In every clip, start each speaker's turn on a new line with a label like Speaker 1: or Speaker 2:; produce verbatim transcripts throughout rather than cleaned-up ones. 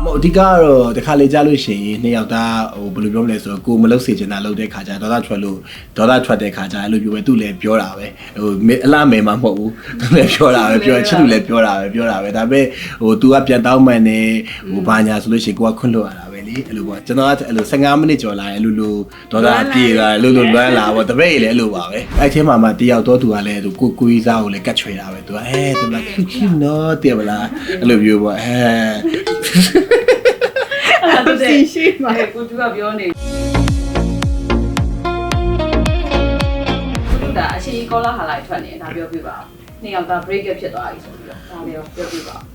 Speaker 1: အဓိကတော့တခါလေကြားလို့ရှိရင်နှစ်ယောက်သားဟိုဘယ်လိုပြောမလဲဆိုတော့ကိုမလုပ်စေချင်တာလုပ်တဲ့ခါကျဒေါသထွက်လို့ဒေါသထွက်တဲ့ခါကျအဲ့လိုပြောပဲသူလည်းပြောတာပဲဟိုအလားမယ်မှာမဟုတ်ဘူးသူလည်းပြောတာပဲပြောချစ်သူလည်းပြောတာပဲပြောတာပဲဒါပေမဲ့ဟို तू ကပြန်တောင်းမှန်နေဟိုဘာညာဆိုလို့ရှိရင်ကိုကခွင့်လွှတ်ရတာပဲလေအဲ့လိုပေါ့ကျွန်တော်ကအဲ့လိုfifteenမိနစ်ကျော်လာရင်အဲ့လိုလိုဒေါသပြေလာအဲ့လိုလိုလွမ်းလာပေါ့တပည့်လည်းအဲ့လိုပါပဲအဲ့ထဲမှာမှတယောက်တော့ तू ကလည်းသူကိုကိုကြီးစားကိုလည်းကတ်ချွေတာပဲ तू ကအဲတမလားကျူကျူနော်တည်မလားအဲ့လိုပြောပေါ့အဲ
Speaker 2: အဲ့ဒါသိရှိမှာကိုသူကပြောနေကိုသူကအချိန်ကောလာဟာလိုက်ထွက်နေဒါပြောပြပါနှစ်ယောက်သား break up ဖြစ်သွားပြီဆိုပြီးတော့ဒါလေးပြောပြပါ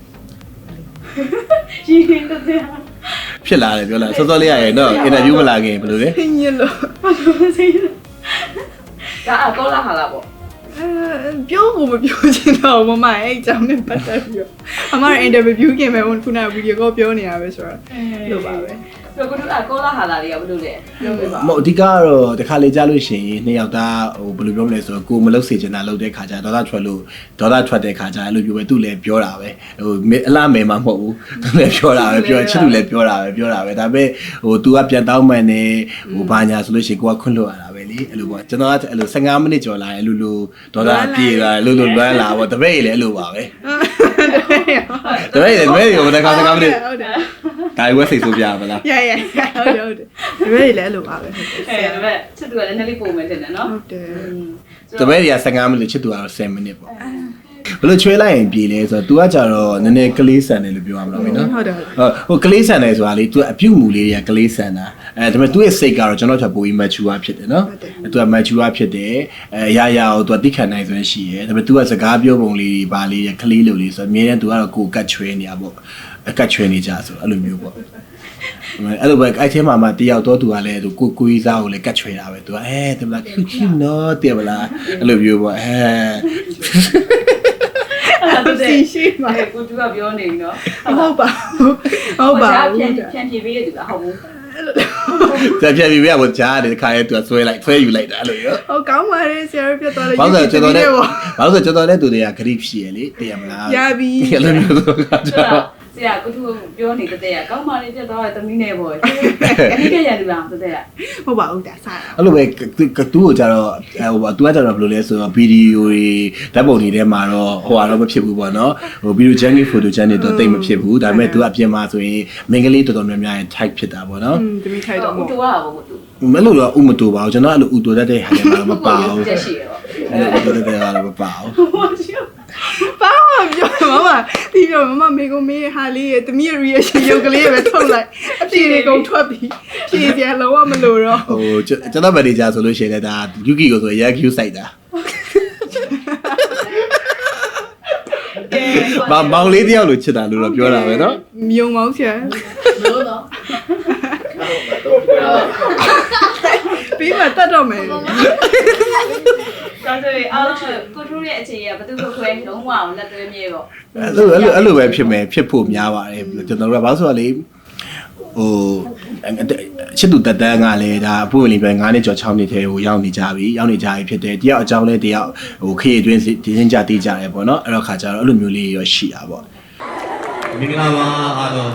Speaker 2: ကြီးရင်တဲ့
Speaker 1: ဖြစ်လာတယ်ပြောလားစောစောလေးရရဲ့နော်အင်တာဗျူးမလာခင်ဘယ်လိုလဲ
Speaker 2: ညလို့ဘာလို့စိဒါအကောလာဟာလာပေါ့အဲပြောဖို့မပြောချင်တော့မမအဲ့အကြောင်းနဲ့ပတ်သက်ပြီးတော့အမရဲ့ interview ခင်မဲ့ခုနကဗီဒီယိုကောပြောနေရပဲဆိုတော့လို့ပါပဲဆိုတော့ကိုတို့အကောလာဟာလာလေးကဘယ်လိုလဲပြောပြပါ
Speaker 1: မဟုတ်အဓိကတော့တခါလေကြားလို့ရှိရင်နှစ်ယောက်သားဟိုဘယ်လိုပြောမလဲဆိုတော့ကိုမလုပ်စေချင်တာလုပ်တဲ့ခါကျဒေါသထွက်လို့ဒေါသထွက်တဲ့ခါကျအဲ့လိုပြောပဲသူလည်းပြောတာပဲဟိုအလားမယ်မှာမဟုတ်ဘူးသူလည်းပြောတာပဲပြောချစ်သူလည်းပြောတာပဲပြောတာပဲဒါပေမဲ့ဟို तू ကပြန်တောင်းမှန်နေဟိုဘာညာဆိုလို့ရှိရင်ကိုကခွင့်လွှတ်ရတာပဲလေအဲ့လိုပေါ့ကျွန်တော်ကအဲ့လိုfifteenမိနစ်ကျော်လာရင်အဲ့လိုလိုဒေါသပြေလာအဲ့လိုလိုလွမ်းလာပေါ့တပည့်လည်းအဲ့လိုပါပဲတပည့်လည်းတပည့်ရောဘယ်တစ်ခါfifteenမိနစ်ဟုတ်တယ်ဒါရွက်စိတ်ဆိုးပြပါလား
Speaker 2: ရရဟုတ်တယ်ဟုတ်တယ်တပည့်လည်းအဲ့လိုပါပဲဟုတ်တယ်အဲတပည့်ချစ်သူကလည်းနည်းနည်းပုံမယ်တင်တယ်နော်ဟုတ်တယ်
Speaker 1: တပည့်တွေကfifteenမိနစ်ချစ်သူကတော့tenမိနစ်ပေါ့ဘယ်လိုချွေးလိုက်ရင်ပြေလဲဆိုတော့ तू ကကြတော့နည်းနည်းကလေးဆန်တယ်လို့ပြောရမှာလို့နော်
Speaker 2: ဟုတ်တယ်
Speaker 1: ဟိုကလေးဆန်တယ်ဆိုတာလေ तू အပြုတ်မူလေးတွေကကလေးဆန်တာအဲဒါပေမဲ့ तू ရဲ့စိတ်ကတော့ကျွန်တော်ထပ်ပိုပြီး mature ဖြစ်တယ်နော် तू က mature ဖြစ်တယ်အဲအရာရာကို तू သိခံနိုင်ဆိုရင်ရှိရဲဒါပေမဲ့ तू ကစကားပြောပုံလေးတွေပါလေးကလေးလိုလေးဆိုတော့အမြဲတမ်း तू ကတော့ကိုယ်ကတ်ချွေးနေတာပေါ့အကတ်ချွေးနေကြဆိုတော့အဲ့လိုမျိုးပေါ့အဲ့လိုပဲအဲ့ထဲမှာမှတယောက်တော့ तू ကလည်းသူကိုကိုကြီးစားကိုလည်းကတ်ချွေတာပဲ तू ကအဲတမလားကျူကျူနော်တည်မလားအဲ့လိုမျိုးပေါ့အဲ
Speaker 2: အဲ့ဒါသိရှိမှာကိုသူကပြောနေနော်ဟုတ်ပါဟုတ်ပါပြန်ပြန်ပြေးပေးရတူလားဟုတ်ဘူး
Speaker 1: ပြန်ပြန်ပြေးရပါကြားတယ်ခါရဲသူကဆွဲလိုက်ဆွဲယူလိုက်တာအဲ့လိုရော
Speaker 2: ဟုတ်ကောင်းပါလေဆရာပြတ်သွားလေ
Speaker 1: ဘာလို့ကျွန်တော်လည်းဘာလို့ကျွန်တော်လည်းသူတွေကဂရိဖြစ်ရလေတည်ရမလား
Speaker 2: ရပြီ
Speaker 1: အဲ့လိုမျိုးဆိုတော့
Speaker 2: ဆရာကိုသူပြောနေတဲ့တဲ့ကကောင်းပါလေပြတ်သွားတဲ့သမီးနဲ့ပေါ့အဲ့ဒီကရတူလားတဲ့ဟုတ်ပါဦးဒါစား
Speaker 1: အဲ့လိုပဲသူ့ကိုကြတော့ဟိုပါ तू ကကြတော့ဘယ်လိုလဲဆိုတော့ဗီဒီယိုတွေဓာတ်ပုံတွေထဲမှာတော့ဟိုဟာတော့မဖြစ်ဘူးပေါ့နော်ဟိုဗီဒီယိုဂျန်ကြီးဖိုတိုဂျန်တွေတော့တိတ်မဖြစ်ဘူးဒါပေမဲ့ तू အပြင်မှာဆိုရင်မင်္ဂလိတော်တော်များများရဲ့ type ဖြစ်တာပေါ့နော်
Speaker 2: อืมတမီ type တော့မဟုတ်ဘူးတူရပါဘူးတူ
Speaker 1: မလို့တော့ဥမတူပါဘူးကျွန်တော်အဲ့လိုဥတူတတ်တဲ့ဟာတွေမှာမပါဘူး
Speaker 2: တက်ရှိရပါ
Speaker 1: အဲ့လိုဥတူတတ်တဲ့ဟာတွေမပါဘူး
Speaker 2: ဘာမှပြောမမဒီပြောမမမေကိုမေးဟာလေးရဲ့တမီး reaction ရုပ်ကလေးပဲထုတ်လိုက်အပြေတွေကုန်ထွက်ပြီးဖြေစရာလုံးဝမလိုတော့
Speaker 1: ဟိုကျွန်တော် manager ဆိုလို့ရှိရင်လည်းဒါ Yuki ကိုဆိုရ Q စိုက်တာဘာမောင်လေးတယောက်လိုချစ်တာလို့တော့ပြောတာပဲเนาะ
Speaker 2: မြုံမောင်းဆရာလို့တော့ပြီးမှတတ်တော့မယ်ဒါဆိုရင်အောက်ကိုထိုးရဲ့အခြေရဘသူကိုခွဲလုံးဝအောင်လက်သွဲမြဲပေါ့
Speaker 1: အဲ့လိုအဲ့လိုအဲ့လိုပဲဖြစ်မယ်ဖြစ်ဖို့များပါတယ်ကျွန်တော်တို့ကဘာလို့ဆိုတော့လေဟိုချစ်သူတက်တန်းကလည်းဒါအပွင့်လေးပဲnineနှစ်ကျော်sixနှစ်ထဲကိုရောက်နေကြပြီရောက်နေကြပြီဖြစ်တယ်တယောက်အကြောင်းလဲတယောက်ဟိုခေအတွင်းဒီစင်းကြတေးကြတယ်ပေါ့နော်အဲ့တော့ခါကျတော့အဲ့လိုမျိုးလေးရောရှိတာပေါ့
Speaker 3: မင်္ဂလာပါအားလုံး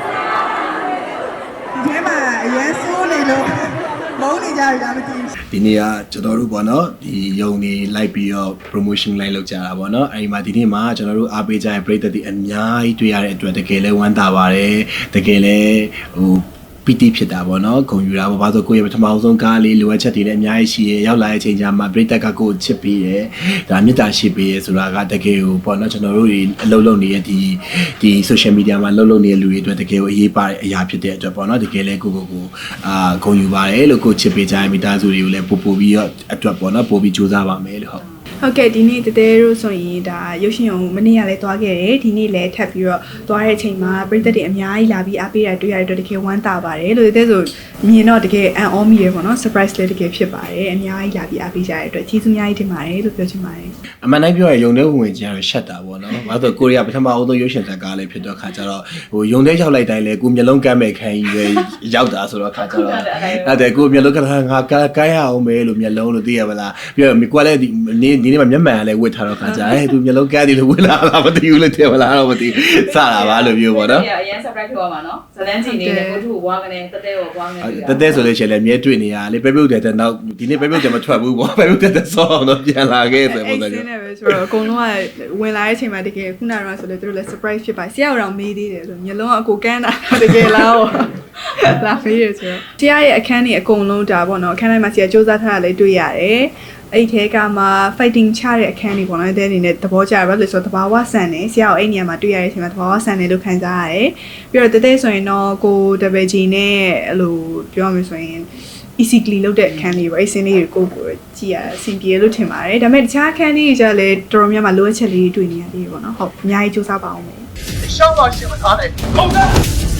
Speaker 2: ဒီထဲမှာအရင်ဆိုးနေလို့မုန်းနေကြပြီလားမသိဘူး
Speaker 1: ဒီနေ့ကကျွန်တော်တို့ပေါ့နော်ဒီယုံနေလိုက်ပြီးတော့ promotion လိုက်လုပ်ကြတာပေါ့နော်အဲဒီမှာဒီနေ့မှာကျွန်တော်တို့အားပေးကြတဲ့ပရိသတ်တွေအများကြီးတွေ့ရတဲ့အတွက်တကယ်လဲဝမ်းသာပါတယ်တကယ်လဲဟိုပီတိဖြစ်တာပေါ့နော်ဂုဏ်ယူတာပေါ့ဘာလို့ကိုယ့်ရဲ့ပထမဆုံးကားလေးလိုအပ်ချက်တွေလည်းအများကြီးရှိရရောက်လာတဲ့အချိန်ကျမှပရိသတ်ကကိုယ်ချစ်ပေးတယ်ဒါမေတ္တာရှိပေးရဆိုတာကတကယ်ကိုပေါ့နော်ကျွန်တော်တို့တွေအလုပ်လုပ်နေတဲ့ဒီဒီ social media မှာလှုပ်လှုပ်နေတဲ့လူတွေအတွက်တကယ်ကိုအရေးပါတဲ့အရာဖြစ်တဲ့အတွက်ပေါ့နော်တကယ်လဲကိုကိုကိုအာဂုဏ်ယူပါတယ်လို့ကိုချစ်ပေးကြတဲ့မိသားစုတွေကိုလည်းပို့ပို့ပြီးတော့အတွက်ပေါ့နော်ပို့ပြီးကြိုးစားပါမယ်လို့ဟုတ်
Speaker 2: ဟုတ်ကဲ့ဒီနေ့တတဲတို့ဆိုရင်ဒါရုပ်ရှင်အောင်မနေ့ကလည်းသွားခဲ့တယ်ဒီနေ့လည်းထပ်ပြီးတော့သွားတဲ့အချိန်မှာပရိသတ်တွေအများကြီးလာပြီးအားပေးတာတွေ့ရတဲ့အတွက်တကယ်ဝမ်းသာပါတယ်လို့တတဲဆိုမြင်တော့တကယ်အန်အောမီရပေါ့နော် surprise လည်းတကယ်ဖြစ်ပါတယ်အများကြီးလာပြီးအားပေးကြတဲ့အတွက်ကျေးဇူးအများကြီးတင်ပါတယ်လို့ပြောချင်ပါတယ်
Speaker 1: အမှန်တိုင်းပြောရင်ယုံတဲ့ဝင်ကြီးကတော့ရှက်တာပေါ့နော်ဘာလို့ကိုရီးယားပထမအဆုံးရုပ်ရှင်ဇာတ်ကားလေးဖြစ်တော့ခါကြတော့ဟိုယုံတဲ့ရောက်လိုက်တိုင်းလေကိုမျက်လုံးကမ်းမဲ့ခံကြီးပဲရောက်တာဆိုတော့ခါကြတော့အဲ့ဒါကိုမျက်လုံးကငါကကိုင်းရအောင်ပဲလို့မျက်လုံးလို့သိရပါလားပြီးတော့ကိုကလည်းနေနေဒီနေ့မှမျက်မှန်လည်းဝတ်ထားတော့ခါကြအဲသူမျက်လုံးကန်းတယ်လို့ဝတ်လာလားမသိဘူးလို့ထင်မလားတော့မသိစတာပါလို့ပြောပါတော့
Speaker 4: အရင် surprise ဖြစ်သွားမှာနော်ဇလန်းချီနေတယ်ကိုထုကိုဘွားကနေတက်တဲ့ကိုဘွားကနေ
Speaker 1: တက်တက်ဆိုလို့ရှိရင်လည်းမြဲတွေ့နေရလေပဲပြုတ်တယ်တဲ့နောက်ဒီနေ့ပဲပြုတ်တယ်မထွက်ဘူးပေါ့ပဲပြုတ်တယ်ဆောင်းတော့ပြန်လာခဲ့ဆိုပုံစံ
Speaker 2: အဲ့
Speaker 1: မျိုး
Speaker 2: စင်းနေပဲဆိုတော့အကုန်လုံးကဝင်လာတဲ့အချိန်မှာတကယ်ခုနကတော့ဆိုလေသူတို့လည်း surprise ဖြစ်ပါဆရာတော်မေးသေးတယ်ဆိုမျိုးလုံးအကိုကန်းတာတကယ်လားလာမေးရဆိုတော့ဆရာရဲ့အခန်းကြီးအကုန်လုံးဒါပေါ့နော်အခန်းတိုင်းမှာဆရာစူးစမ်းထားတာလည်းတွေ့ရတယ်အဲ့ဒီထဲကမှ fighting ချတဲ့အခန်းကြီးပေါ့နော်တဲ့အနေနဲ့သဘောကျရပါလို့ဆိုတော့တဘာဝဆန်တယ်ဆရာကိုအဲ့နေရာမှာတွေ့ရတဲ့အချိန်မှာတဘာဝဆန်တယ်လို့ခံစားရတယ်ပြီးတော့တတဲဆိုရင်တော့ကိုတပည့်ကြီးနဲ့အဲ့လိုပြောရမယ်ဆိုရင် easily လုပ်တဲ့အခန်းလေးပဲအဲ့စင်းလေးကိုကိုကိုကြည့်ရအဆင်ပြေလို့ထင်ပါတယ်ဒါပေမဲ့တခြားအခန်းလေးတွေကျလည်းတော်တော်များများလိုအပ်ချက်လေးတွေတွေ့နေရသေးတယ်ပေါ့နော်ဟုတ်အများကြီးစူးစမ်းပါအောင်မယ်
Speaker 5: ရှောင်းတော့ရှင်မထားနဲ့ဟုတ်ကဲ့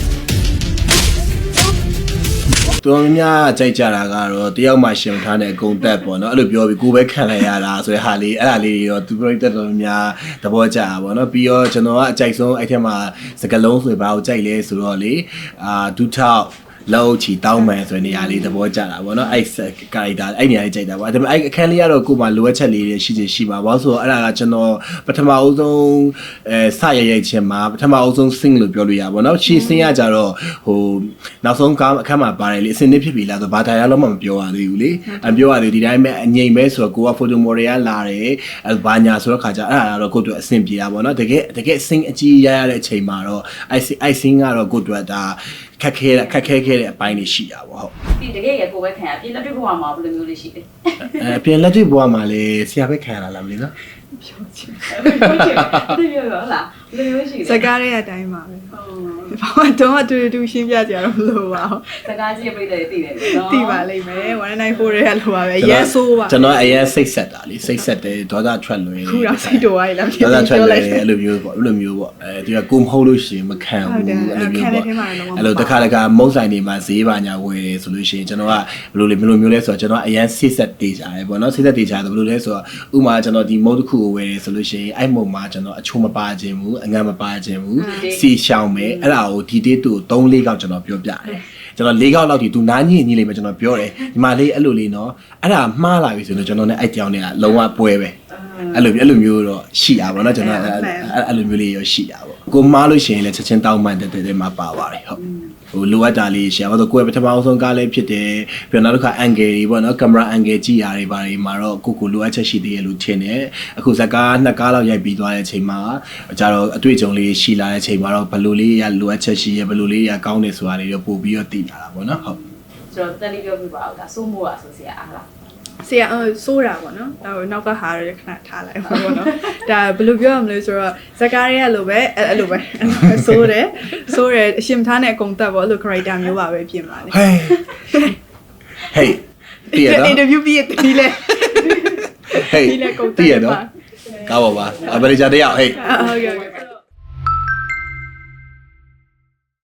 Speaker 1: တော်များကြိုက်ကြတာကတော့တယောက်မှရှင်ထားတဲ့အကုန်တက်ပေါ့နော်အဲ့လိုပြောပြီးကိုပဲခံလိုက်ရတာဆိုတဲ့ဟာလေးအဲ့ဒါလေးတွေရောသူပြိတ္တတော်များသဘောကျတာပေါ့နော်ပြီးတော့ကျွန်တော်ကအကြိုက်ဆုံးအဲ့ထက်မှာစကလုံးဆိုဘာကိုကြိုက်လဲဆိုတော့လေအာဒုထောက်လောက်ချီတောင်းမှန်ဆိုတဲ့နေရာလေးသဘောကျတာပေါ့နော်အဲ့ကာရီတာအဲ့နေရာလေးကြိုက်တာပေါ့ဒါပေမဲ့အဲ့အခန်းလေးကတော့ကိုယ်မှလိုအပ်ချက်လေးတွေရှိချင်ရှိပါဘာလို့ဆိုတော့အဲ့ဒါကကျွန်တော်ပထမအဦးဆုံးအဲစရရိုက်ချင်းမှာပထမအဦးဆုံး sing လို့ပြောလို့ရပါဘောနော်ရှေ့ sing ရကြတော့ဟိုနောက်ဆုံးကားအခန်းမှာပါတယ်လေအစင်းနစ်ဖြစ်ပြီလားဆိုဘာသာရလုံးမှမပြောရသေးဘူးလေအပြောရသေးဒီတိုင်းပဲအငိမ့်ပဲဆိုတော့ကိုက photo model ရလာတယ်အဲဘာညာဆိုတော့ခါကြအဲ့ဒါတော့ကိုတို့အဆင်ပြေတာပေါ့နော်တကယ်တကယ် sing အကြီးရရတဲ့အချိန်မှာတော့အဲ့အဲ့ sing ကတော့ကိုတို့ကဒါခက်ခဲခက်ခဲခဲတဲ့အပိုင်းတွေရှိတာပေါ့ဟုတ်
Speaker 4: ဒီတကယ်ရကိုပဲခံရပြင်လက်တွေ့ဘဝမှာဘယ်လိုမျိုးလေးရှိလဲ
Speaker 1: အဲအပြင်လက်တွေ့ဘဝမှာလေဆရာပဲခံရတာလားမသိနော်
Speaker 2: ပြောချင်
Speaker 4: ဟုတ်ချင်တယ်ပြောရောလားဘယ်လိုမျိုးရှိလဲ
Speaker 2: စကားရဲ့အတိုင်းပါပဲ
Speaker 4: ဟုတ်
Speaker 2: ဘာမှတော့အတူတူရှင်းပြကြရတော့မလို့ပါဘူး
Speaker 4: စကားကြီးပြိတ္တယ်တည်တယ်နော်
Speaker 2: သိပါလိမ့်မယ်one ninety-fourရဲ့လိုပါပဲရဲဆိုးပါ
Speaker 1: ကျွန်တော်အရင်စိတ်ဆက်တာလေစိတ်ဆက်တယ်ဒေါသထွက်လွယ်
Speaker 2: ခုတော့စိတ်တော်ရည်လား
Speaker 1: ဒေါသထွက်လွယ်အဲ့လိုမျိုးပေါ့အဲ့လိုမျိုးပေါ့အဲဒီကကိုမဟုတ်လို့ရှိရင်မခံဘူးအဲ့လိုမျိုးပေါ့အဲ့လိုတခါတခါမုတ်ဆိုင်တွေမှာဈေးပါညာဝယ်တယ်ဆိုလို့ရှိရင်ကျွန်တော်ကဘယ်လိုလဲဘယ်လိုမျိုးလဲဆိုတော့ကျွန်တော်အရင်စိတ်ဆက်တေးကြတယ်ပေါ့နော်စိတ်ဆက်တေးကြတယ်ဘယ်လိုလဲဆိုတော့ဥမာကျွန်တော်ဒီမုတ်တစ်ခုကိုဝယ်တယ်ဆိုလို့ရှိရင်အဲ့မုတ်မှာကျွန်တော်အချိုးမပါခြင်းဘူးအငတ်မပါခြင်းဘူးစီရှောင်းမယ်အဲ့ဒါကိုဒီတေးတူသုံးလေးခေါက်ကျွန်တော်ပြောပြတယ်ကျွန်တော်လေးခေါက်လောက်ဒီသူနားညင်ကြီးလိမ့်မယ်ကျွန်တော်ပြောတယ်ဒီမှာလေးအဲ့လိုလေးနော်အဲ့ဒါမှားလာပြီဆိုတော့ကျွန်တော်နဲ့အဲ့ကြောင်တွေကလုံးဝပွဲပဲအဲ့လိုအဲ့လိုမျိုးတော့ရှိတာပေါ့နော်ကျွန်တော်အဲ့လိုမျိုးလေးရောရှိတာပေါ့ကိုမှားလို့ရှိရင်လည်းချက်ချင်းတောင်းမှန်တဲ့တဲ့မှာပါပါတယ်ဟုတ်ဟိုလိုအပ်တာလေးရှာတော့ကိုယ်ပထမအောင်ဆုံးကားလေးဖြစ်တယ်ပြီးတော့နောက်တစ်ခါ angle တွေပေါ့နော်ကင်မရာ angle ကြည့်ရတယ်ဘာတွေမှာတော့ကိုကိုလိုအပ်ချက်ရှိသေးရလို့ထင်တယ်အခုဇက်ကားနှစ်ကားလောက်ရိုက်ပြီးသွားတဲ့အချိန်မှာကျတော့အတွေ့အကြုံလေးရှိလာတဲ့အချိန်မှာတော့ဘယ်လိုလေးရလိုအပ်ချက်ရှိရဘယ်လိုလေးရကောင်းတယ်ဆိုတာတွေတော့ပို့ပြီးတော့သိလာတာပေါ့နော်ဟုတ်
Speaker 4: ဆိုတော့တက်လီပြောပြပါဦးဒါစိုးမိုးอ่ะဆိုဆရာအားလား
Speaker 2: ဆရာအဆိုးတာပေါ့နော်ဟိုနောက်ကဟာရခဏထားလိုက်ပါပေါ့နော်ဒါဘယ်လိုပြောရမလဲဆိုတော့ဇကာရီကလိုပဲအဲ့လိုပဲဆိုးတယ်ဆိုးတယ်အရှင်ထားနဲ့အကုန်တက်ပေါ့အဲ့လို character မျိုးပါပဲပြင်ပါလေ
Speaker 1: ဟေးဟေးတည်ရတော့
Speaker 2: interview ပြီးပြီလေ
Speaker 1: ဟေး
Speaker 2: ဒီလေကုန်
Speaker 1: တည်ရ
Speaker 2: တက်
Speaker 1: တော့
Speaker 2: ပါ
Speaker 1: ကားပါပါအပရိချာတယောက်ဟေး
Speaker 2: ဟုတ်ကဲ့